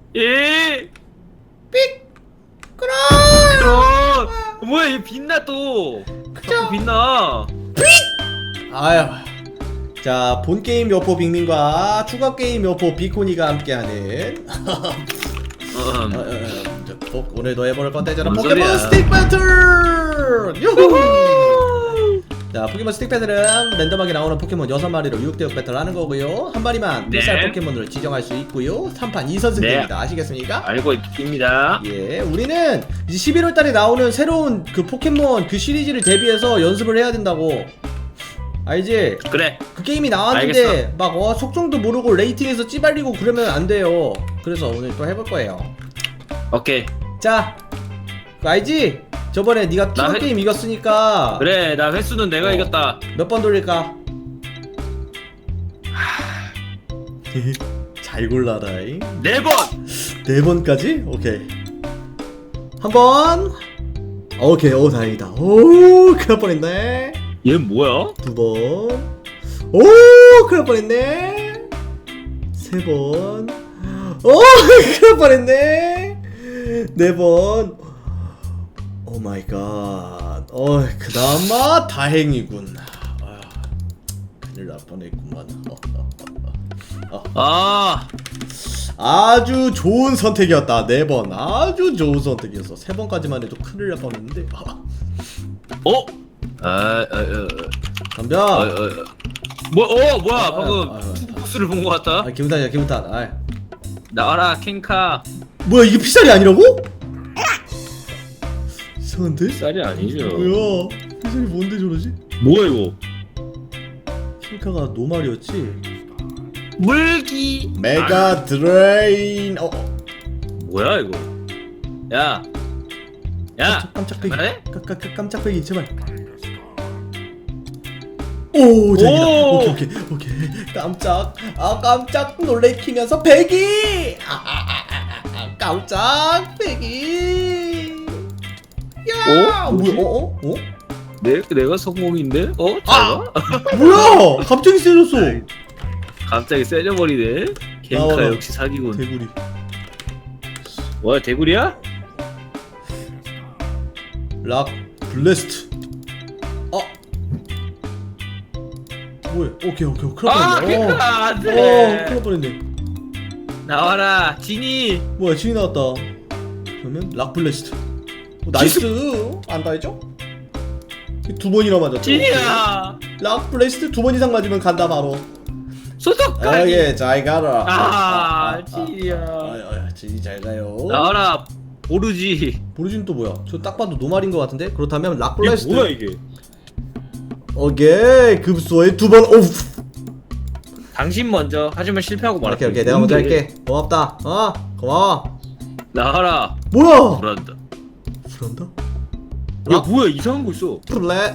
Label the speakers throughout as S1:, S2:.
S1: 예.
S2: 삑! 그럼!
S1: 그럼 뭐야 얘 빛나 또. 자꾸 빛나.
S2: 아휴. 자, 본 게임 여포 빅민과 추가 게임 여포 비코니가 함께하는 오늘도 해볼 컨텐츠는
S1: 뭔
S2: 포켓몬
S1: 소리야.
S2: 스틱 배틀! 유후! 자, 포켓몬 스틱 배틀은 랜덤하게 나오는 포켓몬 6마리로 6대6 배틀 하는 거고요. 한 마리만
S1: 네.
S2: 필살 포켓몬을 지정할 수 있고요. 3판 2선승입니다.
S1: 네.
S2: 아시겠습니까?
S1: 알고 있습니다.
S2: 예, 우리는 이제 11월 달에 나오는 새로운 그 포켓몬 그 시리즈를 대비해서 연습을 해야 된다고. 알지?
S1: 그래.
S2: 그 게임이 나왔는데
S1: 알겠어.
S2: 막 속성도 모르고 레이팅에서 찌발리고 그러면 안 돼요. 그래서 오늘 또 해볼 거예요.
S1: 오케이.
S2: 자, 그거 알지? 저번에 네가 추가 게임 이겼으니까
S1: 그래 나 횟수는 내가 이겼다.
S2: 몇 번 돌릴까? 잘 골라라잉.
S1: 4번.
S2: 4번까지? 오케이. 한 번. 오케이. 오, 다행이다. 오, 큰일 날 뻔했네.
S1: 얘 뭐야?
S2: 2번. 오, 큰일 날 뻔했네. 3번. 오, 큰일 날 뻔했네. 4번. 오 마이 갓. 그나마 다행이군. 큰일 날 뻔했구만.
S1: 아
S2: 아주 좋은 선택이었다. 4번 아주 좋은 선택이었어. 3번까지만 해도 큰일 날 뻔했는데.
S1: 어?
S2: 덤벼.
S1: 뭐야 방금 투구스를 본 것 같다.
S2: 기분탓이야 기분탓.
S1: 나와라 캔카.
S2: 뭐야 이게 피살이 아니라고? 이상한데?
S1: 쌀이 아니죠.
S2: 뭐야 피살이 뭔데 저러지?
S1: 뭐야 이거?
S2: 킹카가 노말이었지?
S1: 물기.
S2: 메가 드레인.
S1: 뭐야 이거? 야
S2: 깜짝배기.
S1: 그래?
S2: 깜짝배기 제발. 오 다행이다.
S1: 오!
S2: 오케이 깜짝 놀래키면서 배기. 깜짝 배기. 야
S1: 뭐지?
S2: 뭐야?
S1: 내가 성공인데? 잘 봐.
S2: 뭐야 갑자기 세졌어.
S1: 갑자기 세져버리네. 캔카
S2: 나와라.
S1: 역시 사기군.
S2: 대구리.
S1: 뭐야 대구리야?
S2: 락 블래스트. 뭐야? 오케이 큰일 날 뻔했네.
S1: 캔카
S2: 큰일
S1: 안돼.
S2: 날 뻔했네.
S1: 나와라 진이.
S2: 뭐야 진이 나왔다. 그러면 락 블래스트. 나이스. 안 다했죠? 2번이나 맞았죠.
S1: 진이야.
S2: 락 블래스트 2번 이상 맞으면 간다 바로.
S1: 소속까지.
S2: 예, 잘 가라.
S1: 진이야.
S2: 진이 잘 가요.
S1: 나와라 오르지.
S2: 보르진 또 뭐야? 저 딱 봐도 노말인 것 같은데? 그렇다면 락
S1: 이게
S2: 블래스트.
S1: 뭐야 이게?
S2: 오케이 급소에 2번. 오우.
S1: 당신 먼저 하지만 실패하고 말았다.
S2: 오케이 내가 먼저 할게. 고맙다. 고마워.
S1: 나와라.
S2: 뭐야?
S1: 불한다.
S2: 불한다?
S1: 야 뭐야 이상한 거 있어.
S2: 플레.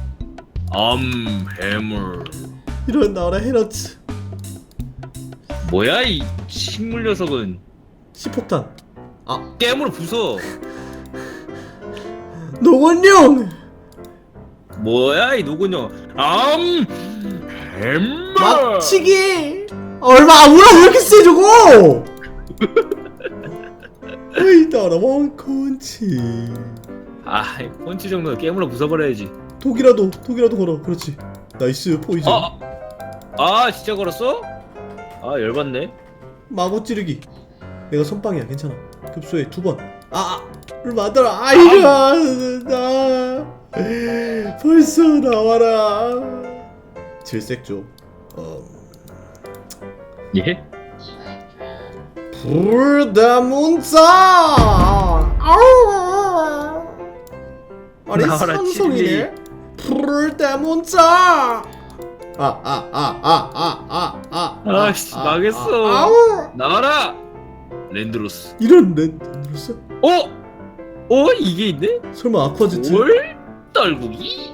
S1: 해물.
S2: 이런 나와라 헤러츠.
S1: 뭐야 이 식물 녀석은.
S2: 시폭탄.
S1: 깨물어 부숴.
S2: 노건용.
S1: 뭐야 이 노군요. 해물.
S2: 막치기. 얼마 아무나 왜 이렇게 세 저거? 에이 나라 원콘치.
S1: 펀치 정도는 깨물어 부숴버려야지.
S2: 독이라도 걸어. 그렇지. 나이스 포이즌.
S1: 진짜 걸었어? 열받네.
S2: 마구 찌르기. 내가 선빵이야 괜찮아. 급소에 2번. 얼마 안 달아. 아이가 나 벌써 나와라. 질색조.
S1: 예?
S2: 불다문자. 아니
S1: 나와라,
S2: 삼성이네. 불다문자.
S1: 아씨 망했어.
S2: 아우.
S1: 나와라 랜드로스.
S2: 이런 랜드로스?
S1: 이게 있네?
S2: 설마 아쿠아제트?
S1: 뭘? 떨구기?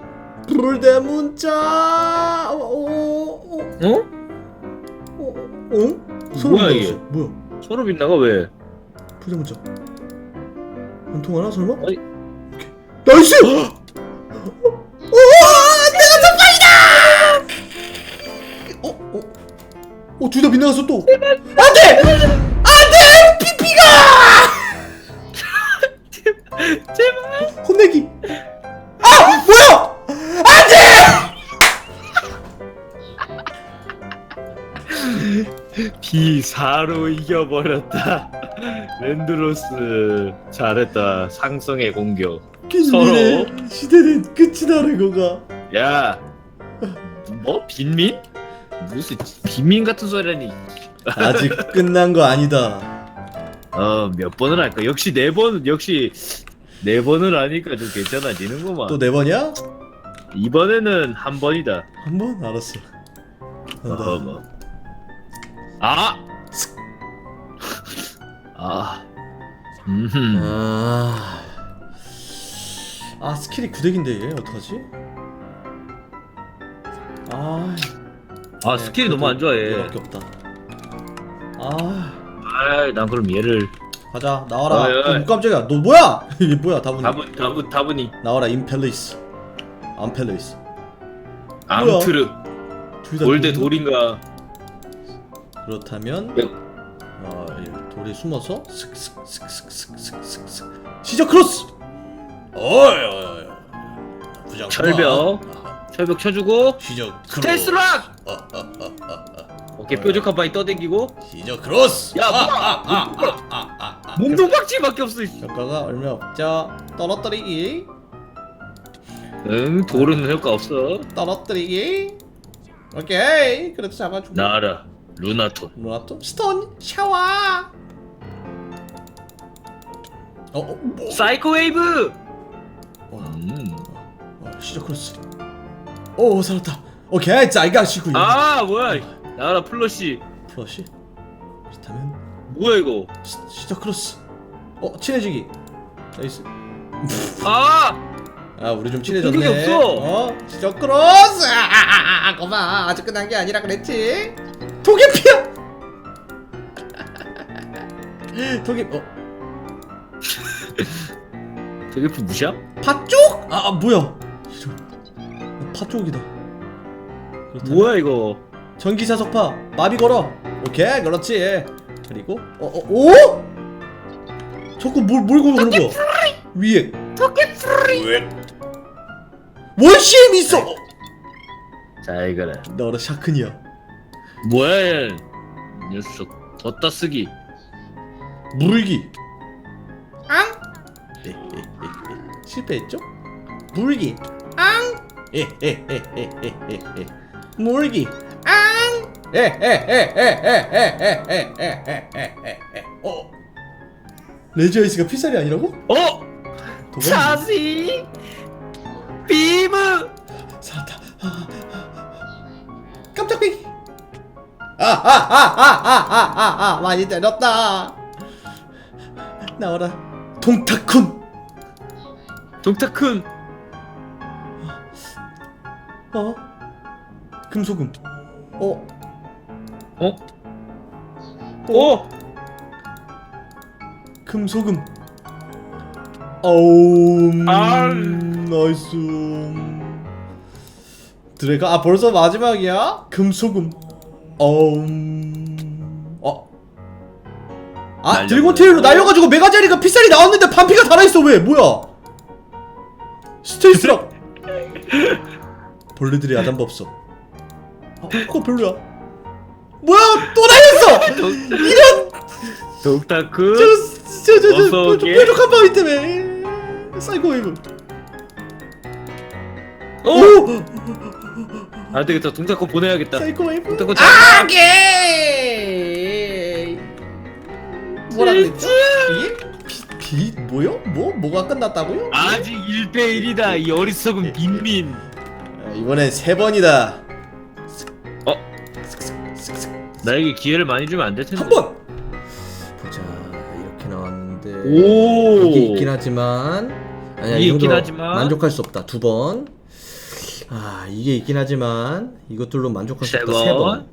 S2: 불대문자.
S1: 뭐야, 이게?
S2: 뭐야?
S1: 서로 빛나가 왜?
S2: 불대문자. 안 통하나 설마?
S1: 아니.
S2: 오케이. 나이스! 내가 선빵이다! 둘 다 빗나갔어 또. 안돼! 피피가
S1: 기사로 이겨버렸다. 랜드로스 잘했다. 상성의 공격.
S2: kenny의 시대는 끝이 나는 거가.
S1: 야, 뭐 빈민? 무슨 빈민 같은 소리라니.
S2: 아직 끝난 거 아니다.
S1: 몇 번을 할까? 역시 4번, 역시 4번을 하니까 좀 괜찮아지는구만.
S2: 또 4번이야?
S1: 이번에는 한 번이다.
S2: 한 번? 알았어. 간다.
S1: 뭐. 아! 아.
S2: 아 스킬이 9덱인데 얘 어떡하지? 아
S1: 스킬이 너무 안 좋아해.
S2: 얘밖에 없다. 아
S1: 난 그럼 얘를
S2: 가자 나와라.
S1: 어이, 어이.
S2: 깜짝이야 너 뭐야? 이게 뭐야 다분히.
S1: 다분히
S2: 나와라 임펠리스 암펠리스
S1: 암트르
S2: 둘다
S1: 올드 돌인가.
S2: 그렇다면
S1: 네.
S2: 이 돌에 숨어서 슥슥슥슥슥슥슥슥 시저 크로스. 어이 부장
S1: 철벽 철벽 쳐주고
S2: 시저 크로스
S1: 스텔스락. 오케이 뾰족한 바위 떠댕기고.
S2: 시저 크로스.
S1: 야 몸통박질밖에 없어.
S2: 효과가 얼마 없죠. 떨어뜨리기
S1: 응, 돌은 효과 없어.
S2: 떨어뜨리기. 오케이 그래도 잡아주고.
S1: 나라 루나톤.
S2: 루나토 스톤 샤워. 뭐?
S1: 사이코 웨이브.
S2: 시저 크로스. 오 살았다. 오케이 자이가시고.
S1: 뭐야? 나라 플러시.
S2: 플러시. 그렇다면
S1: 뭐야 이거?
S2: 시저 크로스. 친해지기. 나이스. 우리 좀 친해졌네.
S1: 공격이 없어.
S2: 시저 크로스. 거봐 아직 끝난 게 아니라 그랬지. 도개피야. 도개.
S1: 되게 무시야?
S2: 팥쪽? 뭐야? 팥쪽이다.
S1: 뭐야 이거?
S2: 전기사 석파 마비 걸어. 오케이 그렇지. 그리고 오? 자꾸 뭘 그런 거야? 위에
S1: 토끼프리.
S2: 원CM 있어.
S1: 자 이거라.
S2: 너라 샤크니야.
S1: 뭐야 이 녀석. 덧다 쓰기.
S2: 물기. 실패했죠? 물기. 물기. 레지아이스가 필살이 아니라고?
S1: 차시 비브.
S2: 살았다. 깜짝배기. 많이 때렸다. 나와라. 동타쿤.
S1: 동타쿤.
S2: 금소금. 금소금. 나이스. 드래가 벌써 마지막이야? 금소금. 드래곤테일로 날려가지고 메가자리가 필살이 나왔는데 반피가 달아있어. 왜? 뭐야? 스테이스락. 벌레들이 야단법석. 그거 별로야. 뭐야? 또 날렸어. 이런.
S1: 동타쿤.
S2: 저 뾰족한 바위 때문에. 사이코 웨이브.
S1: 안 되겠다. 동타쿤 보내야겠다.
S2: 사이코 웨이브.
S1: 동타쿤
S2: 오케이. 뭐라 그랬죠? 뭐요? 뭐가 끝났다고요?
S1: 아직 1대1이다. 이 어리석은 빈민.
S2: 이번엔 3번이다.
S1: 나에게 기회를 많이 주면 안 될 텐데.
S2: 한 번. 보자. 이렇게 나왔는데.
S1: 오.
S2: 이게 있긴 하지만. 아니야,
S1: 이게
S2: 이 정도
S1: 있긴 하지만
S2: 만족할 수 없다. 2번. 이게 있긴 하지만 이것들로 만족할 수 없다. 3번.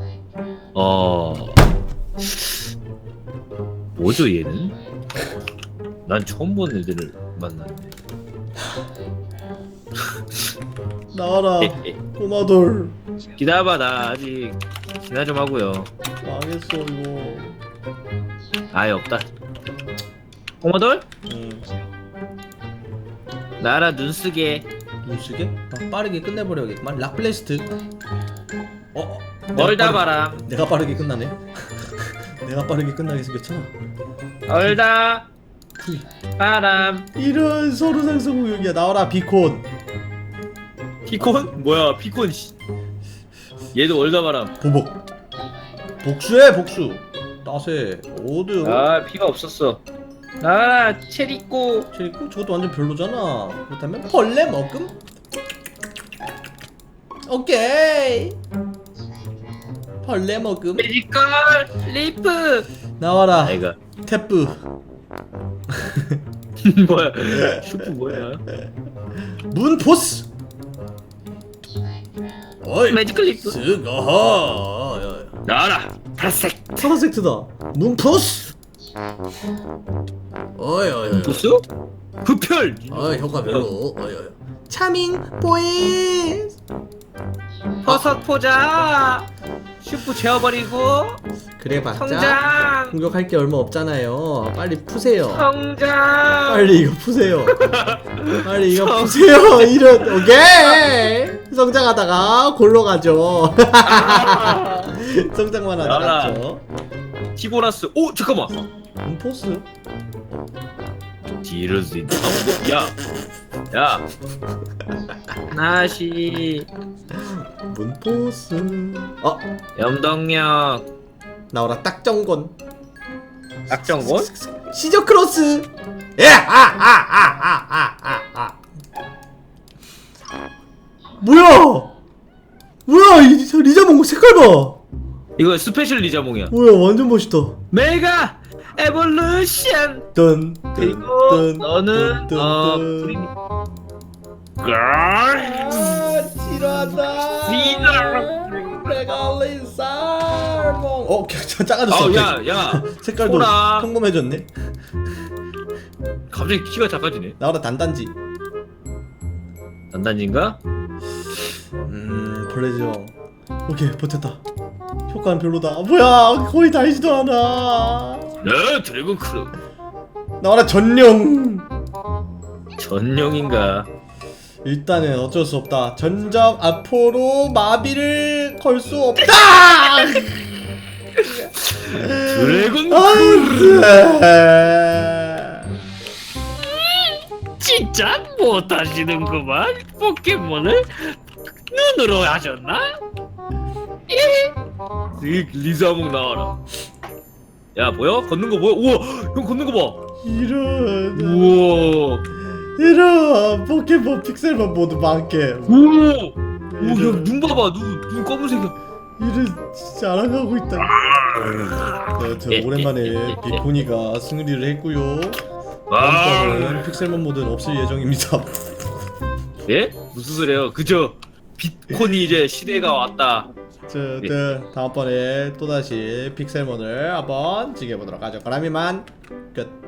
S1: 뭐죠 얘는? 난 처음 본 애들을 만났네.
S2: 나와라. 꼬마돌.
S1: 기다려봐. 나 아직 기나 좀 하고요.
S2: 망했어 이거.
S1: 아예 없다. 꼬마돌? 나라 눈쓰게.
S2: 눈쓰게? 빠르게 끝내버려야겠구만. 락블레스트.
S1: 멀다 바람.
S2: 내가 빠르게 끝나네. 내가 빠르게 끝나게 생겼잖아.
S1: 멀다
S2: 푸이.
S1: 바람.
S2: 이런 서로 상승구역이야. 나와라 비콘.
S1: 피콘? 뭐야 피콘 씨. 얘도 멀다 바람.
S2: 보복. 복수해 복수. 따세. 오드.
S1: 아 피가 없었어. 아 체리꼬.
S2: 그리고 저것도 완전 별로잖아. 그렇다면 벌레 먹음? 오케이. 벌레 먹음.
S1: 매지컬 리프.
S2: 나와라.
S1: 아이가
S2: 태프.
S1: 뭐야 슈프 뭐야.
S2: 문포스. 어이.
S1: 매지컬 리프.
S2: 스가.
S1: 나와라 파란색.
S2: 파란색트다. 문포스. 어이 어이.
S1: 보스? 흡혈.
S2: 효과 별로. 어이 어이. 차밍 보이스.
S1: 버섯 포자. 슈프 재워버리고.
S2: 그래봤자
S1: 성장.
S2: 공격할 게 얼마 없잖아요. 빨리 푸세요.
S1: 성장.
S2: 빨리 이거 푸세요. 빨리 이거 푸세요. 이런 오케이. 성장하다가 골로 가죠. 성장만 하다
S1: 나와라.
S2: 갔죠.
S1: 티보라스. 오 잠깐만.
S2: 문포스.
S1: 뒤를 수 있다. 야. 나시.
S2: 문포스.
S1: 염동력.
S2: 나오라 딱정건.
S1: 악정곤?
S2: 시저 크로스. 예. 뭐야 이 리자몽 색깔 봐.
S1: 이거 스페셜 리자몽이야.
S2: 뭐야 완전 멋있다.
S1: 메가 에볼루션.
S2: 뜬.
S1: 그리고 너는 프리. 걸.
S2: 지루하다.
S1: 지루.
S2: 레갈린 살몽. 작아졌어.
S1: 야.
S2: 색깔도
S1: 소라.
S2: 평범해졌네.
S1: 갑자기 키가 작아지네.
S2: 나와라 단단지.
S1: 단단지인가?
S2: 벌레지왕. 오케이 버텼다. 효과는 별로다. 뭐야 거의 달지도 않아.
S1: 네, 드래곤 크루.
S2: 나와라 전령.
S1: 전용인가?
S2: 일단은 어쩔 수 없다. 전점 앞으로 마비를 걸 수 없다.
S1: 드래곤 크루.
S2: 안돼.
S1: 진짜 못하시는구만. 포켓몬을 눈으로 하셨나? 리자몽 나와라. 야 보여? 걷는 거 보여? 우와 형 걷는 거 봐.
S2: 이런
S1: 우와.
S2: 포켓몬 픽셀만 모두 많게.
S1: 오야눈 봐봐. 눈 검은색이야.
S2: 이런 진짜 알아가고 있다. 네, 오랜만에 비코니가 승리를 했고요. 다음번은 픽셀몬 모드는 없을 예정입니다.
S1: 예? 무슨 소리예요? 그저 비콘이 이제 시대가 왔다.
S2: 다음번에 또다시 픽셀몬을 한번 즐겨보도록 하죠. 그럼 이만 끝.